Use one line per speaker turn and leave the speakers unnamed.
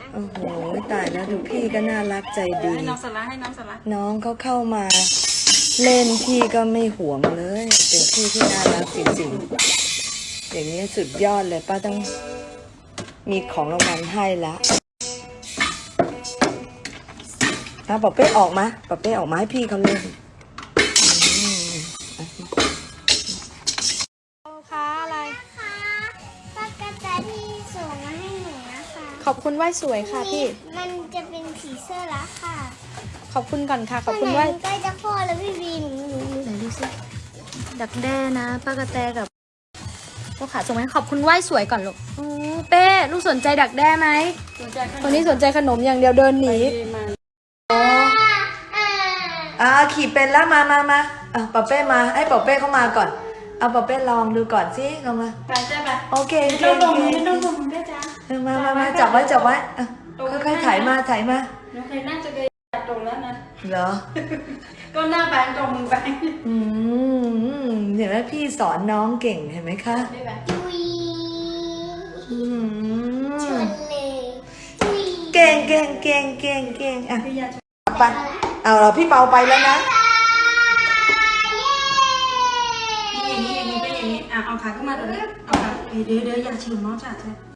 โอ้โหตายแล้วดูพี่ก็น่ารักใจดี
ให้น้องสละให้น้องสละ
น้องเขาเข้ามาเล่นพี่ก็ไม่หวงเลย เป็นพี่ที่น่ารักจริงๆอย่างนี้สุดยอดเลยป้าต้องมีของรางวัลให้ละป๊าเป้ออกมาป๊าเป้ออกมาให้พี่เขาเล่น
ค่ะอะไร
ค่ะป้ากระแตที่ส่งมาให้หนูนะคะ
ขอบคุณไหว้สวยค่ะพี่
มันจะเป็นผีเสื้อละค่ะ
ขอบคุณก่อนค่ะ ขอบคุณ
ไห
ไหว้
ใกล้จะคลอดแล้วพี่บีหนู
ไหนดูสิดักแด้นะป้ากระแตกับลูกขาส่งมาให้ขอบคุณไหว้สวยก่อนลูกเป้ลูกสนใจดักแด้ไหม
สนใจขนม
คนนี้สนใจขนมอย่างเดียวเดินหนี
ดีมา
ขี่เป็นแล้วมาป๊าเป้มาให้ป๊าเป้เข้ามาก่อนเอาป๊าเป้ลองดูก่อนสิลองมา
ไปจ้าไป
โอเค
ไม่ต้องลงไม่ต้องลงได้จ้า
มาจับไว้ค่อยๆถ่ายมา
หนูเคยนั่งจะเดินตรงแล้วนะ
เหรอ
ก็หน้าแบงตรงมือแบง
เห็นไหมพี่สอนน้องเก่งเห็นไหมคะ
ได้ไหม
ดุย
อืม
ชนเลยดุย
เก่งอ่ะ
พี่ยา
ไปเอาเราพี่เปาไปแล้วนะ
อย่างนี้ก็อย่างนี้เอาขาขึ้นมาตรงนี้เอาขาเดี๋ยวอย่าชิมน้องจ้า